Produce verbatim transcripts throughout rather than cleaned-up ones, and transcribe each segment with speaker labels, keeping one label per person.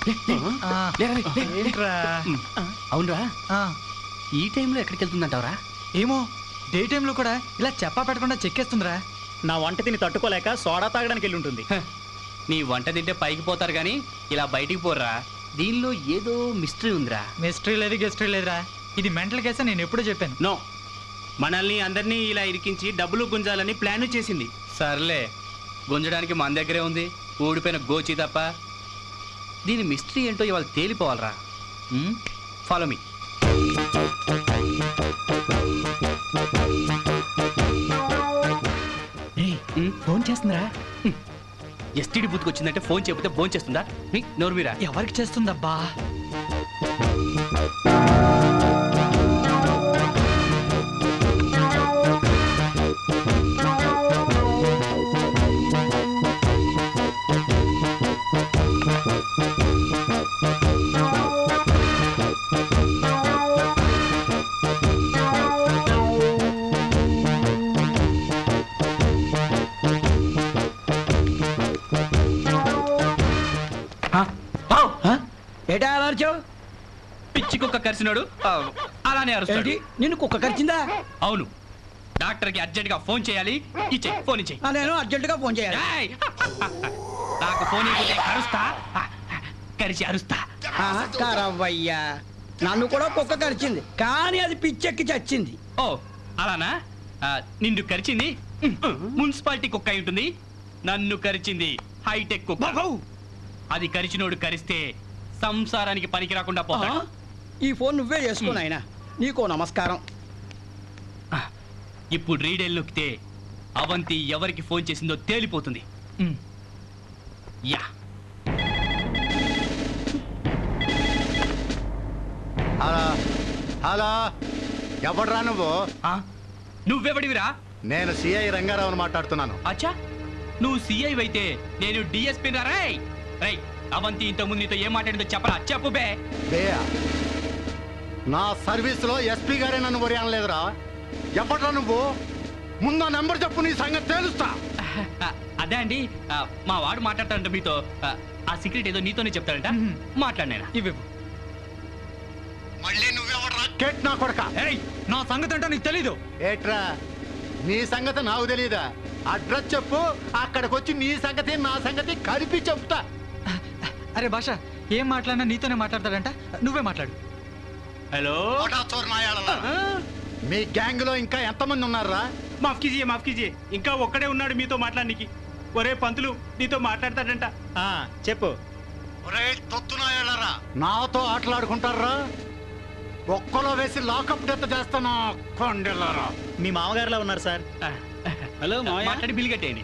Speaker 1: అవునరా, ఈ టైంలో ఎక్కడికి వెళ్తుందంటావరా?
Speaker 2: ఏమో, డే టైంలో కూడా ఇలా చెప్పా పెట్టకుండా చెక్కేస్తుందిరా.
Speaker 3: నా వంట తిని తట్టుకోలేక సోడా తాగడానికి వెళ్ళి ఉంటుంది.
Speaker 1: నీ వంట తింటే పైకి పోతారు గాని ఇలా బయటికి పోర్రా. దీనిలో ఏదో మిస్టరీ ఉందిరా.
Speaker 2: మిస్టరీ లేదు గెస్టరీ లేదురా, ఇది మెంటల్ కేసా. నేను ఎప్పుడూ చెప్పాను.
Speaker 4: నో, మనల్ని అందరినీ ఇలా ఇరికించి డబ్బులు గుంజాలని ప్లాన్ చేసింది.
Speaker 1: సర్లే, గుంజడానికి మన దగ్గరే ఉంది ఊడిపోయిన గోచి తప్ప. దీని మిస్టరీ ఏంటో ఇవాళ తేలిపోవాలరా. Follow me.
Speaker 2: ఫోన్ చేస్తుందిరా.
Speaker 1: ఎస్టీడీ బూత్కి వచ్చిందంటే ఫోన్ చేయకపోతే ఫోన్ చేస్తుందా? నోరు మీరా.
Speaker 2: ఎవరికి చేస్తుందబ్బా?
Speaker 5: ఏటా అలర్చావు?
Speaker 1: పిచ్చి కుక్క కరిచినాడు అలానే అరుస్తాడు.
Speaker 5: నిన్ను కుక్క కరిచిందా?
Speaker 1: అవును. డాక్టర్ కి అర్జెంట్ గా ఫోన్ చేయాలి. ఇచ్చే ఫోన్ ఇచ్చే.
Speaker 5: నేను అర్జెంట్ గా ఫోన్ చేయాలి.
Speaker 1: నాకు ఫోన్ ఇవ్వతే అరుస్తా, కరిచి అరుస్తా.
Speaker 5: కరవయ్యా, నన్ను కూడా కుక్క కరిచింది, కానీ అది పిచ్చెక్కి చచ్చింది.
Speaker 1: ఓ అలానా? నిన్ను కరిచింది మున్సిపాలిటీ కుక్క అయి ఉంటుంది. నన్ను కరిచింది హైటెక్ కుక్క. అది కరిచినోడు కరిస్తే సంసారానికి పనికి రాకుండా పోతాడు.
Speaker 5: ఈ ఫోన్ నువ్వే చేసుకో నాయనా, నీకో నమస్కారం.
Speaker 1: ఇప్పుడు రీడెల్ నొక్కితే అవంతి ఎవరికి ఫోన్ చేసిందో తేలిపోతుంది. యా.
Speaker 6: హలో హలో, ఎవడరా నువ్వు?
Speaker 1: నువ్వెవడివిరా?
Speaker 6: నేను సిఐ రంగారావుని మాట్లాడుతున్నాను.
Speaker 1: అచ్చా, నువ్వు సిఐ అయితే నేను డిఎస్పీ రా. రై రై అవంతి ఇంత ముందు నీతో ఏం మాట్లాడిందో చెప్పరా? చెప్పు బే.
Speaker 6: బేయా, నా సర్వీస్ లో ఎస్పీ గారే నన్ను వరి అనలేదురా. ఎవడ్రా నువ్వు? ముందు నెంబర్ చెప్పు, నీ సంగతి తేలుస్తా.
Speaker 1: అదే అండి, మా వాడు మాట్లాడతాడంట మీతో. ఆ సీక్రెట్ ఏదో నీతోనే చెప్తాడంట. మాట్లాడినా ఇవి.
Speaker 6: మళ్ళీ నువ్వెవడ్రా? కేట్ నా కొడక.
Speaker 2: నా సంగతి అంటే నీకు తెలీదు.
Speaker 6: ఏట్రా, నీ సంగతి నాకు తెలీదా? అడ్రస్ చెప్పు, అక్కడికి వచ్చి నీ సంగతి నా సంగతి కలిపి చెప్తా.
Speaker 2: అరే భాష, ఏం మాట్లాడినా నీతోనే మాట్లాడతాడంట, నువ్వే మాట్లాడు.
Speaker 1: హలో,
Speaker 6: మీ గ్యాంగ్ లో ఇంకా ఎంతమంది ఉన్నారా?
Speaker 4: మాఫ్ కీజియే మాఫ్ కీజియే, ఇంకా ఒక్కడే ఉన్నాడు మీతో మాట్లాడడానికి. ఒరే పంతులు, నీతో మాట్లాడతాడంట.
Speaker 3: చెప్పు.
Speaker 6: ఒరే తొత్తునాయాలరా, నాతో ఆటలాడుకుంటారా? ఒక్కలో వేసి లాకప్ డెత్ చేస్తాను కొండెలారా.
Speaker 3: మీ మామగారులా ఉన్నారు సార్.
Speaker 1: హలో, మాట్లాడి బిల్ కట్టేయండి.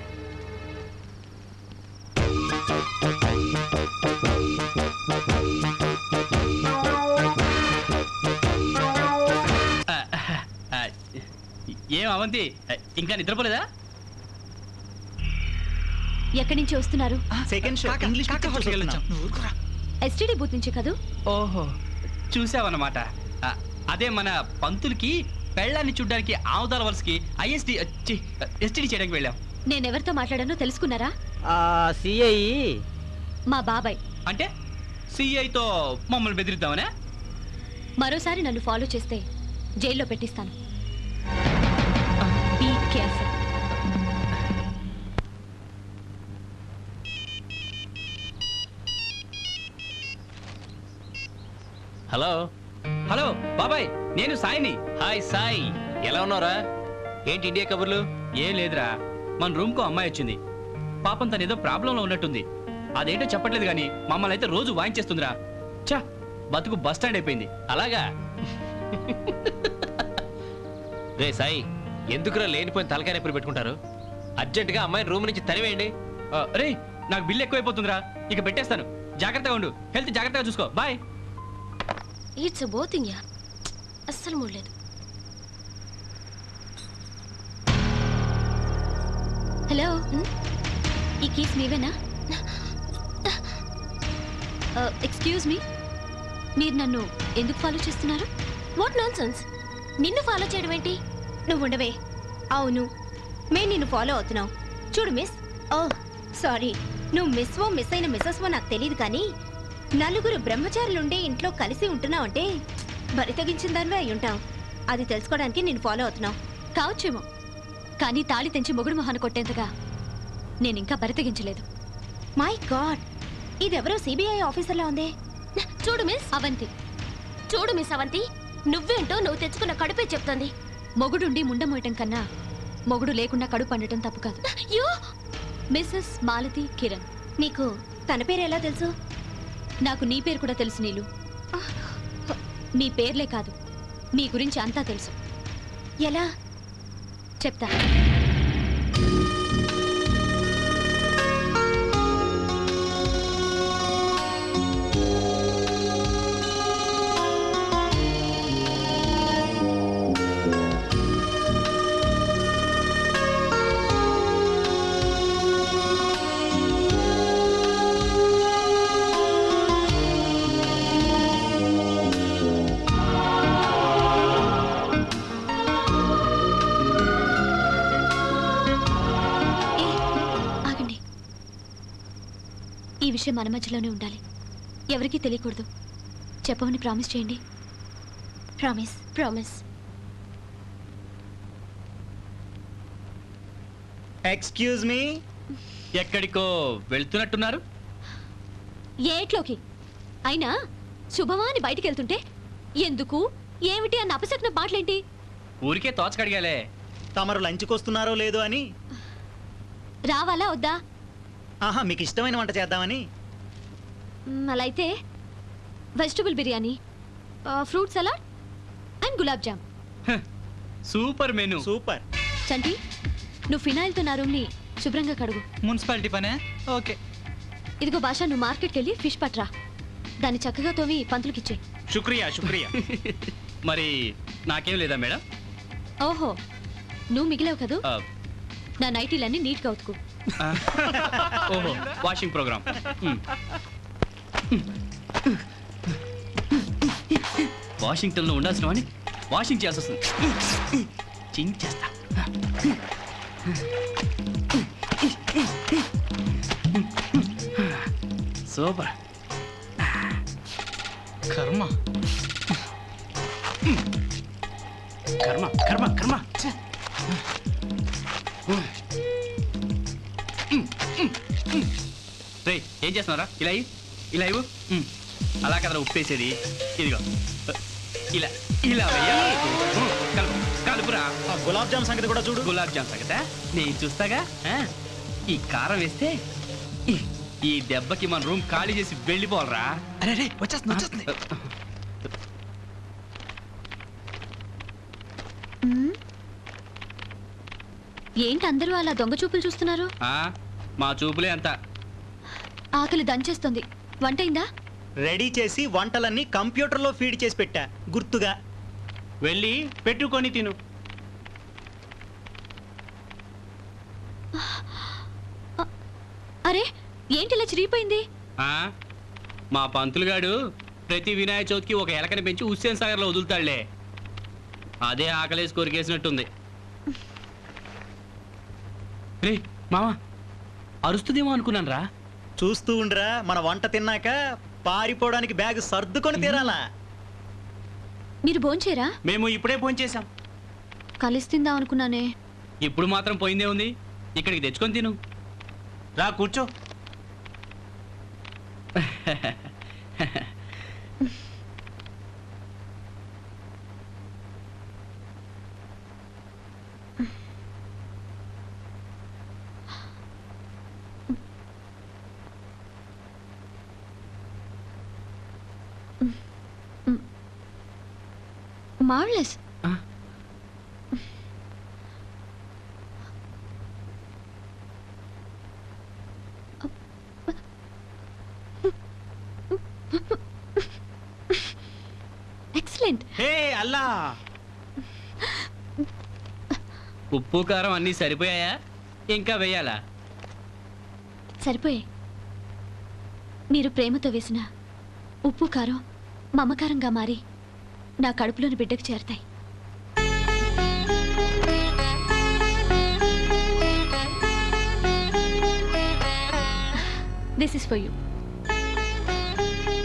Speaker 1: ఏం అవంతి, ఇంకా నిద్రపోలేదా?
Speaker 7: ఎక్కడి నుంచి వస్తున్నారు?
Speaker 3: Second show English
Speaker 7: STD booth నుంచి కదూ?
Speaker 1: ఓహో, చూసావన్నమాట. అదే మన పంతులకి పెళ్ళాన్ని చూడ్డానికి ఆవుదాల వలసకి ఐఎస్డి ఎస్టీడీ చేయడానికి వెళ్ళాం.
Speaker 7: నేనెవరితో మాట్లాడానో తెలుసుకున్నారా?
Speaker 5: సిఐ
Speaker 7: మా బాబాయ్.
Speaker 1: అంటే సిఐతో మమ్మల్ని బెదిరిద్దామనే?
Speaker 7: మరోసారి నన్ను ఫాలో చేస్తే జైల్లో పెట్టిస్తాను. Be careful.
Speaker 1: హలో హలో బాబాయ్, నేను సాయిని. హాయ్ సాయి, ఎలా ఉన్నారా? ఏంటి ఇండియా కబుర్లు? ఏం లేదురా, మన రూమ్ కు అమ్మాయి వచ్చింది. పాపం తను ఏదో ప్రాబ్లంలో ఉన్నట్టుంది. అదేంటో చెప్పట్లేదు కానీ మమ్మల్ని అయితే రోజు వాయించేస్తుందిరా. చా, బతుకు బస్ స్టాండ్ అయిపోయింది. అలాగా?
Speaker 8: రే సాయి, ఎందుకురా లేనిపోయిన తలకాయ నొప్పులు పెట్టుకుంటారు? అర్జెంటుగా అమ్మాయిని రూమ్ నుంచి తరివేయండి.
Speaker 1: రే, నాకు బిల్లు ఎక్కువైపోతుందిరా, ఇక పెట్టేస్తాను. జాగ్రత్తగా ఉండు, హెల్త్ జాగ్రత్తగా చూసుకో. బాయ్.
Speaker 7: ఇట్స్ బోతింగ్ యా, అస్సలు మూడలేదు. హలో, ఈ కేస్ మీవేనా? ఎక్స్క్యూజ్ మీ, మీరు నన్ను ఎందుకు ఫాలో చేస్తున్నారు? What nonsense? నిన్ను ఫాలో చేయడం ఏంటి? నువ్వు ఉండవే. అవును, మేము నిన్ను ఫాలో అవుతున్నావు. చూడు మిస్. ఓ సారీ, నువ్వు మిస్ ఓ మిస్ అయిన మిస్సెస్ ఓ నాకు తెలియదు, కానీ నలుగురు బ్రహ్మచారులుండే ఇంట్లో కలిసి ఉంటున్నావంటే బరి తెగించిన దానివే అయి ఉంటావు. అది తెలుసుకోవడానికి నేను ఫాలో అవుతున్నావు కావచ్చేమో, కానీ తాళి తెంచి మొగుడు మొహాన్ని కొట్టేంతగా నేనింకా బరి తెగించలేదు. మై గాడ్, ఇదెవరో సిబిఐ ఆఫీసర్లా ఉందే. చూడు మిస్ అవంతి, చూడు మిస్ అవంతి, నువ్వేంటో నువ్వు తెచ్చుకున్న కడుపే చెప్తుంది. మొగుడుండి ముండ మోయటం కన్నా మొగుడు లేకుండా కడుపు పండటం తప్పు కాదు. మిస్సెస్ మాలతి కిరణ్. నీకు తన పేరు ఎలా తెలుసు? నాకు నీ పేరు కూడా తెలుసు నీలు. మీ పేర్లే కాదు, మీ గురించి అంతా తెలుసు. ఎలా చెప్తా. ఈ విషయం మన మధ్యలోనే ఉండాలి, ఎవరికీ తెలియకూడదు. చెప్పమని ప్రామిస్ చేయండి. Promise promise.
Speaker 3: Excuse me.
Speaker 1: ఎక్కడికో వెళ్తున్నట్టున్నారు?
Speaker 7: ఏట్లోకి అయినా శుభమా అని బయటికి వెళ్తుంటే ఎందుకు ఏమిటి అన్న అపశకున మాటలేంటి?
Speaker 1: ఊరికే తోచకడిగాలే.
Speaker 3: తమరు లంచ్కి వస్తున్నారో లేదో అని.
Speaker 7: రావాలా వద్దా?
Speaker 3: ఆహా, మీకు ఇష్టమైన వంట చేద్దామని.
Speaker 7: మ్, అలా అయితే vegetable biryani, fruit salad and gulab jam.
Speaker 1: Super menu.
Speaker 3: Super.
Speaker 7: Chanti, నువ్వు ఫినాయిల్తో నా రూమ్ని శుభ్రంగా కడుగు.
Speaker 2: మున్సిపాలిటీ పనే. ఓకే.
Speaker 7: ఇదిగో భాష, నువ్వు మార్కెట్కి వెళ్ళి ఫిష్ పట్రా. దాన్ని చక్కగా తోమి పంతులకిచ్చే.
Speaker 4: శుక్రియా శుక్రియా.
Speaker 1: మరి నాకేం లేదా మేడం?
Speaker 7: ఓహో, నువ్వు మిగిలేవు కదూ.
Speaker 1: ఆ,
Speaker 7: నా నైటీలన్నీ నీట్గా ఉతుకు.
Speaker 1: ఆ, ఓహో, వాషింగ్ ప్రోగ్రామ్. వాషింగ్టన్లో ఉండాల్సిన వాడిని వాషింగ్ చేయాల్సి వస్తుంది. చింగ్ చేస్తా. సూపర్.
Speaker 2: కర్మ.
Speaker 1: కర్మ కర్మ కర్మ. రే, ఏం చేస్తున్నారా? ఇలా ఇవ్వు, ఇలా ఇవ్వు. ఉమ్, అలా కదా ఉప్పేసేది. ఇదిగో ఇలా ఇలా వెయ్యాలి. ఉమ్, కలుపు కలుపురా.
Speaker 3: ఆ గులాబ్ జామ్ సంగతి కూడా చూడు.
Speaker 1: గులాబ్ జామ్ సంగతా నేను చూస్తాగా. ఆ, ఈ కారం వేస్తే ఈ- ఈ దెబ్బకి మన రూమ్ ఖాళీ చేసి వెళ్ళిపోవాలరా.
Speaker 2: అరే రే, వచ్చేస్తుంది వచ్చేస్తుంది.
Speaker 7: మ్, ఏంటి అందరూ అలా దొంగ చూపులు చూస్తున్నారు?
Speaker 1: ఆ, మా చూపులే అంత.
Speaker 7: ఆకలి దంచేస్తుంది. వంట అయిందా?
Speaker 3: రెడీ చేసి వంటలన్నీ కంప్యూటర్లో ఫీడ్ చేసి పెట్టా గుర్తుగా.
Speaker 4: వెళ్ళి పెట్టుకొని తిను.
Speaker 7: అరే, ఏంటి ఇలా చిరిగిపోయింది?
Speaker 1: ఆ, మా పంతులుగాడు ప్రతి వినాయక చవితికి ఒక ఎలకని పెంచి హుస్సేన్ సాగర్లో వదులుతాడులే. అదే ఆకలేసి కొరికేసినట్టుంది. రే మావా, అరుస్తుందేమో అనుకున్నాను రా.
Speaker 3: చూస్తూ ఉండరా, మన వంట తిన్నాక పారిపోవడానికి బ్యాగ్ సర్దుకొని తీరాలా.
Speaker 7: మీరు భోంచేరా?
Speaker 4: మేము ఇప్పుడే ఫోన్ చేశాం.
Speaker 7: కలిసి తిందాం అనుకున్నానే.
Speaker 1: ఇప్పుడు మాత్రం పోయిందే ఉంది, ఇక్కడికి తెచ్చుకొని తిను.
Speaker 4: రా కూర్చో.
Speaker 7: మార్వెలస్.
Speaker 1: ఆ?
Speaker 7: ఎక్సలెంట్.
Speaker 4: హే అల్లా,
Speaker 1: ఉప్పు కారం అన్నీ సరిపోయాయా? ఇంకా వేయాలా?
Speaker 7: సరిపోయే. మీరు ప్రేమతో వేసిన ఉప్పు కారం మమకారంగా మారి నా కడుపులోని బిడ్డకు చేరతాయి. This is for you.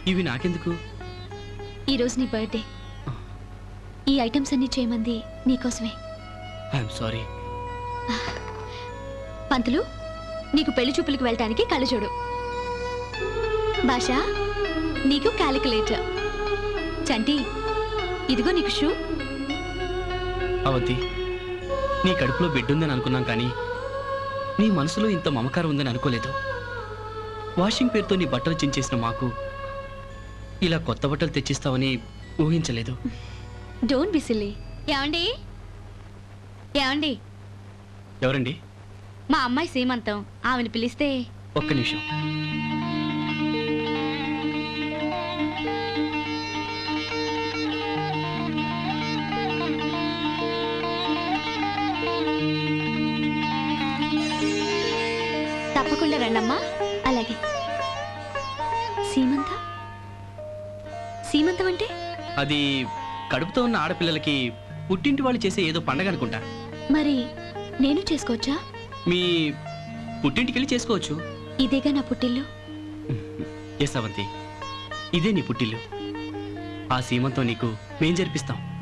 Speaker 1: ఇవి నాకెందుకు?
Speaker 7: ఈరోజు నీ బర్త్డే. ఈ ఐటమ్స్ అన్ని చేయమంది నీకోసమే.
Speaker 1: I'm sorry.
Speaker 7: పంతులు, నీకు పెళ్లి చూపులకు వెళ్ళటానికి కళ్ళజోడు. భాష, నీకు క్యాలిక్యులేటర్. చంటి, ఇదిగో నీకు షూ.
Speaker 1: అవంతి, నీ కడుపులో బిడ్డ ఉందని అనుకున్నాం కానీ నీ మనసులో ఇంత మమకారం ఉందని అనుకోలేదు. వాషింగ్ పేరుతో నీ బట్టలు చించేసిన మాకు ఇలా కొత్త బట్టలు తెచ్చిస్తావని ఊహించలేదు.
Speaker 7: Don't be silly. ఏమండి ఏమండి
Speaker 1: ఎవరండి?
Speaker 7: మా అమ్మాయి సీమంతం. ఆమెను పిలిస్తే.
Speaker 1: ఒక్క నిమిషం.
Speaker 7: తప్పకుండా రండమ్మా. అలాగే. సీమంతం సీమంతం అంటే?
Speaker 1: అది కడుపుతో ఉన్న ఆడపిల్లలకి పుట్టింటి వాళ్ళు చేసే ఏదో పండగ అనుకుంటా.
Speaker 7: మరి నేను చేసుకోవచ్చా?
Speaker 1: మీ పుట్టింటికెళ్ళి చేసుకోవచ్చు.
Speaker 7: ఇదేగా నా పుట్టిల్లు.
Speaker 1: ఎస్ అవంతి, ఇదే నీ పుట్టిల్లు. ఆ సీమంతో నీకు మేం జరిపిస్తాం.